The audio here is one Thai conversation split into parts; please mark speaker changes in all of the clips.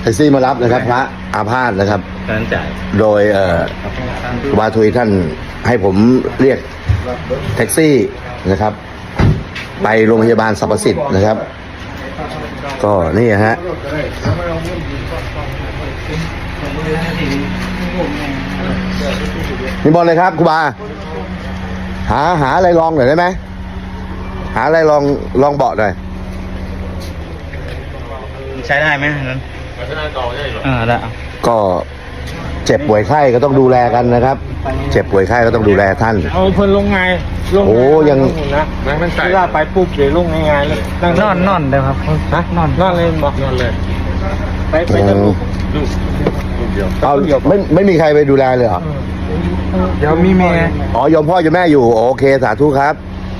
Speaker 1: ท็กซี่มารับนะครับพระอาพาธนะครับ
Speaker 2: การจ่าย
Speaker 1: โดยครูบาทุยท่านให้ผมเรียกแท็กซี่นะครับ ไปโรงพยาบาลสรรพสิทธิ์นะครับ ก็นี่ฮะนี่บอลเลยครับครูบาหาอะไรลองหน่อยได้ไหมหาอะไรลองเบาะหน่อย
Speaker 2: ใช้ได้ไหมนั้นได้
Speaker 1: ก็เจ็บป่วยไข้ก็ต้องดูแลกันนะครับ เจ็บป่วยไข้ก็ต้องดูแลท่าน
Speaker 3: เอาเพิ่นลงไงลง
Speaker 1: โอ้ยัง
Speaker 3: นะนั่งใส่เวลาไปปุ๊บเดี๋ยวลงง่ายๆเลยนอนเดี๋ยวครับฮะนอนเลยบอกนอนเลยไปจะลูกเดียว
Speaker 1: เอาไม่มีใครไปดูแลเลยเหรอ
Speaker 3: เดี๋ยวมีแม่
Speaker 1: อ๋อยมพ่อยมแม่อยู่โอเคสาธุครับ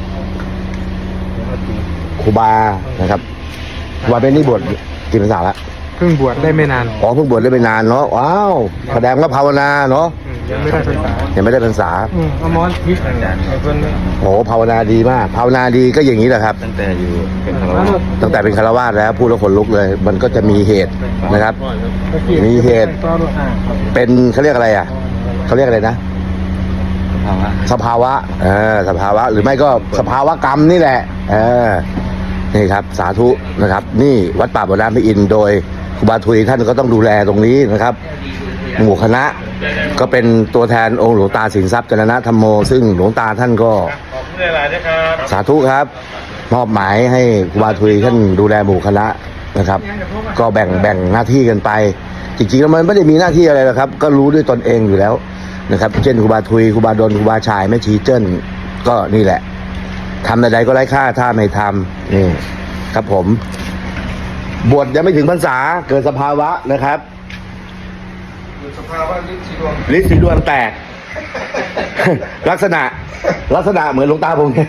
Speaker 1: ครูบานะครับครูบาเป็นนี่บวชกี่พรรษาละ
Speaker 3: เพิ่งบวชได้ไม่นาน
Speaker 1: อ๋อเพิ่งบวชได้ไม่นานเนาะว้าวแสดงว่าภาวนาเนาะ
Speaker 3: ยังไม่ได้ภาษา
Speaker 1: ยังไม่ได้พรรษา
Speaker 3: อมรทิพย์ไอ้เพิ่น
Speaker 1: โอ้ภาวนาดีมากภาวนาดีก็อย่างนี้แหละครับ
Speaker 2: ตั้งแต่อยู่เป็นคารวะ
Speaker 1: ตั้งแต่เป็นคารวาสแล้วพูดแล้วขนลุกเลย มันก็จะมีเหตุนะครับ มีเหตุ เป็นเขาเรียกอะไรอ่ะเขาเรียกอะไรนะ
Speaker 2: ภาวะ
Speaker 1: สภาวะสภาวะหรือไม่ก็สภาวะกรรมนี่แหละนี่ครับสาธุนะครับ นี่วัดป่าบ่อน้ำพระอินทร์โดยครูบาทุยท่านก็ต้องดูแลตรงนี้นะครับ หมู่คณะก็เป็นตัวแทนองค์หลวงตาสินทรัพย์จรณธรรมโมซึ่งหลวงตาท่านก็สาธุครับมอบหมายให้ครูบาทุยท่านดูแลหมู่คณะนะครับ ก็แบ่งหน้าที่กันไป จริงๆแล้วมันไม่ได้มีหน้าที่อะไรหรอกครับ ก็รู้ด้วยตนเองอยู่แล้วนะครับ เช่นครูบาทุยครูบาดลครูบาชายแม่ชีเจิ้นก็นี่แหละทำใดๆก็ไร้ค่าถ้าไม่ทำนี่ครับผมบวชยังไม่ถึงพรรษาเกิดสภาวะนะครับสภาวะฤทธิ์สีดวงแตก ลักษณะเหมือนหลวงตาผม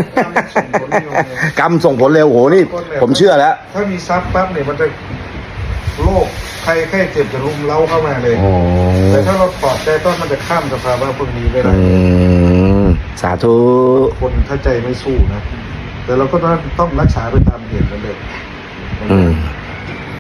Speaker 1: กรรมส่งผลเร็วโหนี่ผมเชื่อแล้ว
Speaker 4: ถ้ามีซับปั๊บเนี่ยมันจะโรคใครแค่เจ็บจะรุมเล้าเข้ามาเลย แต่ถ้าเราปลอดใจต้นมันจะข้ามสภาวะพวกนี้ไปได้
Speaker 1: สาธุ
Speaker 4: คนถ้าใจไม่สู้นะ แต่เราก็ต้องรักษาไปตามเหตุนั่นเลย
Speaker 1: อืม